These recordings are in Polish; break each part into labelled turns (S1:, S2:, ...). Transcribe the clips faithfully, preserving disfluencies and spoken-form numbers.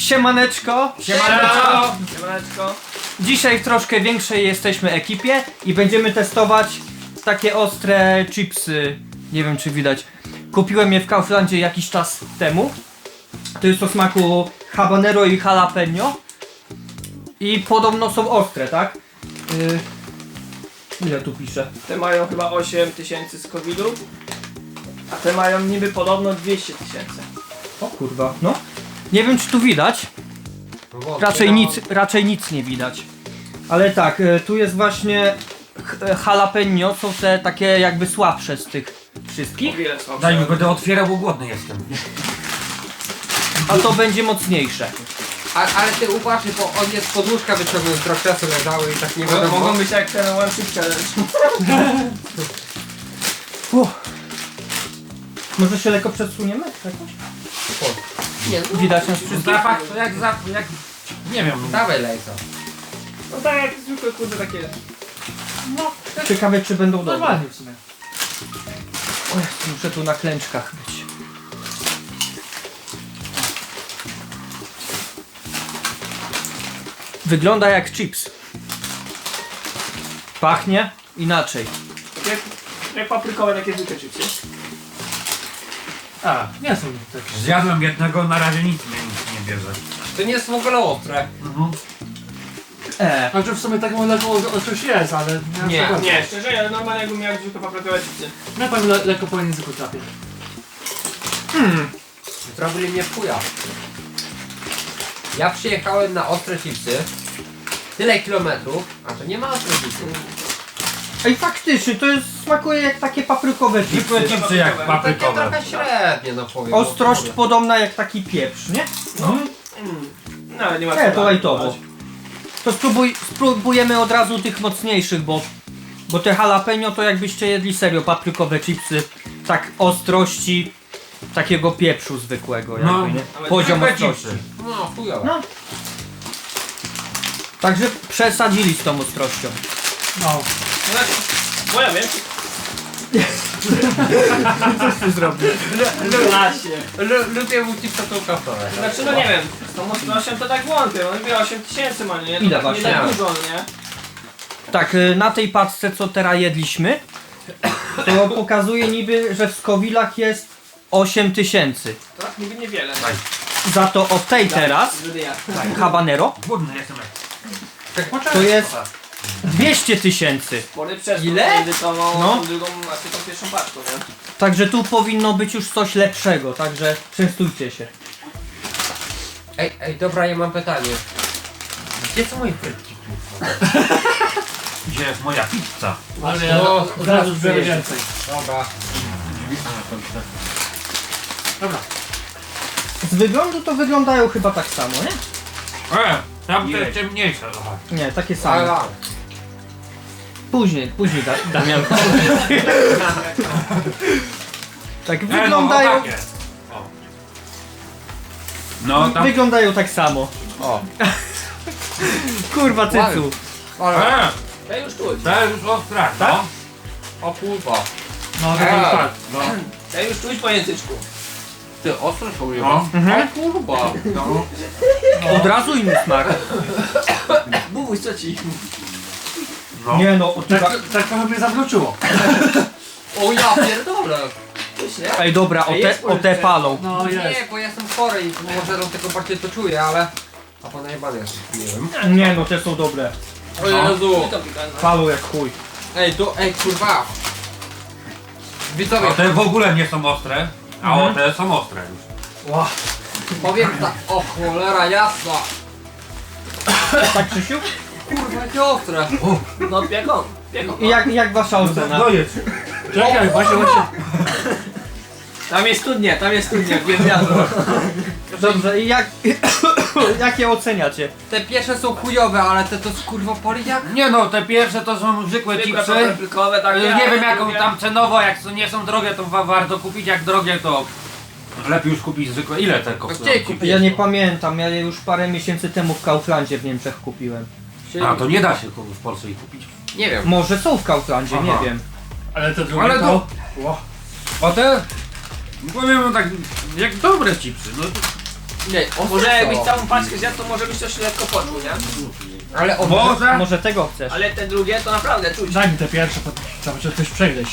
S1: Siemaneczko!
S2: Siemaneczko! Siemaneczko!
S1: Dzisiaj w troszkę większej jesteśmy ekipie i będziemy testować takie ostre chipsy. Nie wiem czy widać. Kupiłem je w Kauflandzie jakiś czas temu. To jest o smaku habanero i jalapeno. I podobno są ostre, tak? Yy... Ile tu pisze?
S2: Te mają chyba osiem tysięcy skowilu, a te mają niby podobno dwieście tysięcy.
S1: O kurwa, no. Nie wiem czy tu widać. Raczej nic, raczej nic nie widać. Ale tak, y, tu jest właśnie ch- jalapeno, są te takie jakby słabsze z tych
S2: O
S1: wszystkich.
S2: wiele słabsze.
S3: Daj mi, będę otwierał, bo głodny jestem.
S1: A to będzie mocniejsze.
S4: A, ale ty uważaj, bo on jest pod łóżka wyciągnął, trochę czasu leżały i tak nie
S2: Mo-
S4: wiadomo.
S2: Mogą być jak ten One Chip Challenge.
S1: Uff. Może się lekko przesuniemy? Jakoś?
S4: Nie, no,
S1: Widać nas wszystkich?
S3: Zapach to jak zapach, jak... Nie wiem.
S4: dawaj lejca.
S2: No tak jak zwykłe kurde takie.
S1: Ciekawe czy będą dobre.
S3: Normalnie w sumie.
S1: O Jezu, muszę tu na klęczkach być. Wygląda jak chips. Pachnie inaczej.
S2: Jak, jak paprykowe takie zwykłe chipsy.
S3: A, nie są takie. Zjadłem jednego, na razie nic mnie nic nie bierze.
S4: To nie jest w ogóle ostre.
S3: Mhm.
S1: E,
S5: Znaczy w sumie taką lekko o coś jest, ale
S4: Nie,
S5: nie.
S2: Nie, szczerze, ja normalnie jakbym miał zwykłe paprykowe chipsy.
S5: Na pewno le lekko po języku trafię.
S4: Zrobili mnie w chuja. Ja przyjechałem na ostre chipsy. Tyle kilometrów, a to nie ma ostre chipsy.
S1: Ej faktycznie, to jest, smakuje jak takie paprykowe
S3: Zwykłe
S1: chipsy.
S3: chipsy jak
S4: Takie
S3: paprykowe.
S4: trochę średnie, no powiem.
S1: Ostrość podobna jak taki pieprz, nie?
S2: Mm. No ale nie ma
S1: E,
S2: co
S1: to
S2: dać.
S1: lajtowo. To spróbuj, spróbujemy od razu tych mocniejszych, bo bo te jalapeno to jakbyście jedli serio paprykowe chipsy, tak ostrości takiego pieprzu zwykłego jakby,
S3: No,
S1: nie?
S2: ale
S1: Poziom
S3: zwykłe
S1: ostrości.
S3: chipsy.
S4: No, chujowe.
S1: No. Także przesadzili z tą ostrością.
S5: No.
S2: Znaczy, bo ja wiem.
S1: Coś ty zrobił.
S2: Lasie.
S4: Lu- Lubię mu chipsa tą kawę.
S2: Znaczy no nie wiem, z tą ostrością to tak wątpię, on wie osiem tysięcy ma, nie? To
S1: Ile
S2: tak
S1: właśnie?
S2: nie tak dużo, nie?
S1: Tak, y, na tej paczce co teraz jedliśmy, to pokazuje niby, że w Scovillach jest osiem tysięcy.
S2: To tak niby niewiele.
S3: Daj.
S1: Za to od tej teraz,
S2: Wtedy ja.
S1: habanero,
S3: Głodny jestem. jak-
S1: to jest dwieście tysięcy.
S2: Spory przeskok
S4: Ile?
S2: między tą,
S1: No.
S2: tą drugą, znaczy tą pierwszą paczką, nie?
S1: Także tu powinno być już coś lepszego, także częstujcie się.
S4: Ej, ej, dobra, ja mam pytanie. Gdzie są moje frytki?
S3: Gdzie jest moja pizza?
S5: Ale ja
S4: No,
S5: od razu zbiorę więcej.
S4: Dobra.
S5: Dobra.
S1: Z wyglądu to wyglądają chyba tak samo, nie?
S3: E, tam to
S2: Jej.
S3: jest ciemniejsze trochę.
S1: Nie, takie same.
S4: Ale,
S1: Później, później da Damian. Tak
S3: E, no,
S1: wyglądają,
S3: o, takie. O. No tam...
S1: wyglądają tak samo.
S4: o.
S1: Kurwa cycu.
S4: Ale,
S3: E,
S2: Ja już czuć.
S3: to jest już ostra,
S1: Tak?
S3: no.
S4: o kurwa.
S5: No to
S4: Eee.
S5: jest tak.
S3: No.
S2: Ja już czuć po języczku.
S4: Ty, ostro są je.
S3: No.
S1: Mhm.
S4: O kurwa.
S3: No.
S1: Od razu inny smak.
S2: Bubuś, co ci?
S3: No.
S1: Nie no, o,
S5: Tak, tak trochę mnie zawróciło.
S4: O ja pierdolę.
S2: Coś nie?
S1: Ej dobra, o
S2: Ej,
S1: te,
S2: jest
S1: o te palą.
S5: No jest.
S4: Nie, bo ja jestem chory i może dlatego bardziej to czuję, ale... A po najebany jestem, nie wiem.
S1: Nie no, te są dobre.
S4: O Jezu.
S2: I to pikantne.
S1: Palą jak chuj.
S4: Ej, to, ej kurwa. Widzowie,
S3: A te w ogóle nie są ostre, a
S1: Mhm.
S3: o te są ostre już.
S1: Ła.
S4: powiem tak, o cholera jasna.
S1: Tak Krzysiu?
S4: Kurwa, jakie ostre.
S2: No piekon. Piekon.
S1: I jak, jak wasza ocena?
S3: No jest.
S5: Czekaj, właśnie właśnie.
S2: Tam jest studnia, tam jest studnia, wiem wiadro.
S1: Dobrze, i jak, jakie oceniacie?
S4: Te pierwsze są chujowe, ale te to kurwa poli jak?
S3: Nie no, te pierwsze to są zwykłe
S2: Zwykłe
S3: chipsy.
S2: paprykowe, tak.
S3: Nie
S2: ja
S3: wiem jaką
S2: lubię.
S3: tam cenowo, jak są- nie są drogie to wa warto kupić, jak drogie to lepiej już kupić zwykłe. Ile te kosztują?
S4: Gdzie kupić?
S1: Ja nie pamiętam, ja je już parę miesięcy temu w Kauflandzie w Niemczech kupiłem.
S3: A to nie da się w Polsce ich kupić.
S4: Nie wiem.
S1: Może są w Kauflandzie,
S3: Aha.
S1: nie wiem.
S5: Ale te drugie
S3: Ale
S5: to...
S3: to-
S5: Ło.
S3: A te, powiem wam tak, jak dobre chipsy, no to
S4: Nie, ostre
S2: Może
S4: są.
S2: jakbyś całą paczkę zjadł, to może byś coś lekko poczuł, nie?
S4: Ale ostre.
S3: Może?
S1: Może tego chcesz?
S2: Ale te drugie to naprawdę czuć.
S5: Daj mi te pierwsze, potem trzeba będzie coś przegryźć.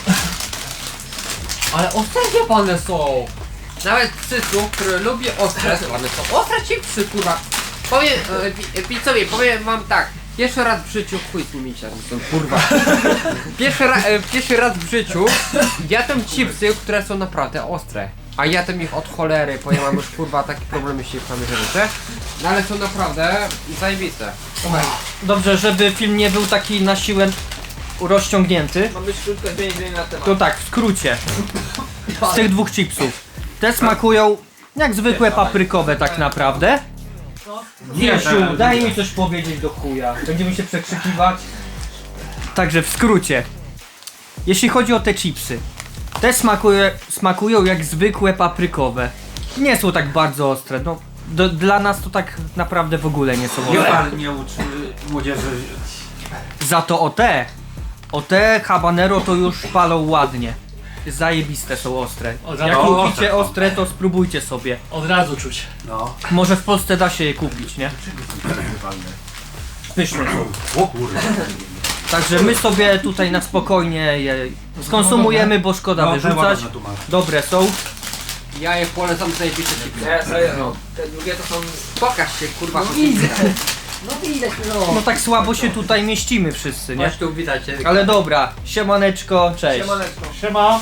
S4: Ale ostre one są. Nawet cycu, który lubi ostre, one są. Ostre chipsy, kurwa. Powiem, e, wi- widzowie, powiem wam tak. Pierwszy raz w życiu, chuj z nimi się, są kurwa. Pierwszy, ra, e, pierwszy raz w życiu jadłem chipsy, które są naprawdę ostre. A jadłem ich od cholery, bo ja mam już kurwa taki problem, jeśli mamy żywotę. No ale są naprawdę zajebiste. Słuchaj,
S1: Dobrze, żeby film nie był taki na siłę rozciągnięty,
S2: Mam być krótko zmienić na temat.
S1: to tak, w skrócie. Z tych dwóch chipsów. Te smakują jak zwykłe paprykowe tak naprawdę. Wiesiu, daj mi coś powiedzieć do chuja. Będziemy się przekrzykiwać. Także w skrócie. Jeśli chodzi o te chipsy. Te smakuje, smakują jak zwykłe paprykowe. Nie są tak bardzo ostre. No, do, dla nas to tak naprawdę w ogóle nie są
S3: Nie,
S1: ostre.
S3: pan nie uczy młodzieży.
S1: Za to o te, o te habanero to już palą ładnie. Zajebiste są ostre.
S5: O,
S1: Jak
S3: o,
S1: lubicie
S3: ostre.
S1: ostre, to spróbujcie sobie.
S5: Od razu czuć.
S3: No.
S1: Może w Polsce da się je kupić, nie? Pyszne są.
S3: O kurwa.
S1: Także my sobie tutaj na spokojnie je skonsumujemy, bo szkoda
S3: No,
S1: wyrzucać.
S3: ładne tu masz.
S1: Dobre są.
S4: ja je polecam zajebiste chipsy.
S2: Nie, sobie, no. Te drugie to są...
S4: Pokaż się kurwa.
S1: No widać, no tak słabo się tutaj mieścimy wszyscy, nie?
S4: Chodź tu widać.
S1: Ale dobra, siemaneczko, cześć.
S2: Siemaneczko.
S5: Siema.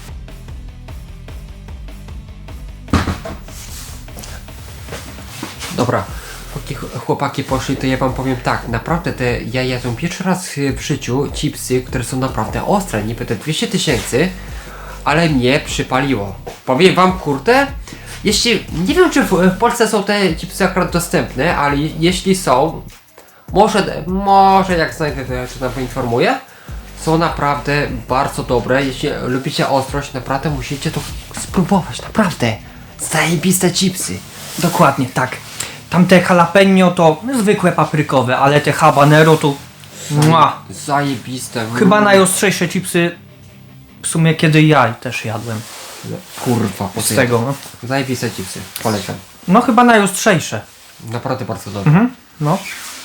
S4: Dobra, póki ch- chłopaki poszli, to ja wam powiem tak, naprawdę te, ja jadłem pierwszy raz w życiu chipsy, które są naprawdę ostre, niby te dwieście tysięcy, ale mnie przypaliło. Powiem wam, kurde, jeśli, nie wiem czy w, w Polsce są te chipsy akurat dostępne, ale jeśli są, może, może jak znajdę, to ja to tam poinformuję, są naprawdę bardzo dobre, jeśli lubicie ostrość, naprawdę musicie to spróbować, naprawdę, zajebiste chipsy.
S1: Dokładnie, tak. Tamte jalapeno to zwykłe paprykowe, ale te habanero to... Mua.
S4: Zajebiste.
S1: Chyba najostrzejsze chipsy w sumie kiedy ja też jadłem
S4: Kurwa,
S1: z tego, no.
S4: Zajebiste chipsy. Polecam.
S1: No chyba najostrzejsze.
S4: Naprawdę bardzo dobre.
S1: Mhm, no.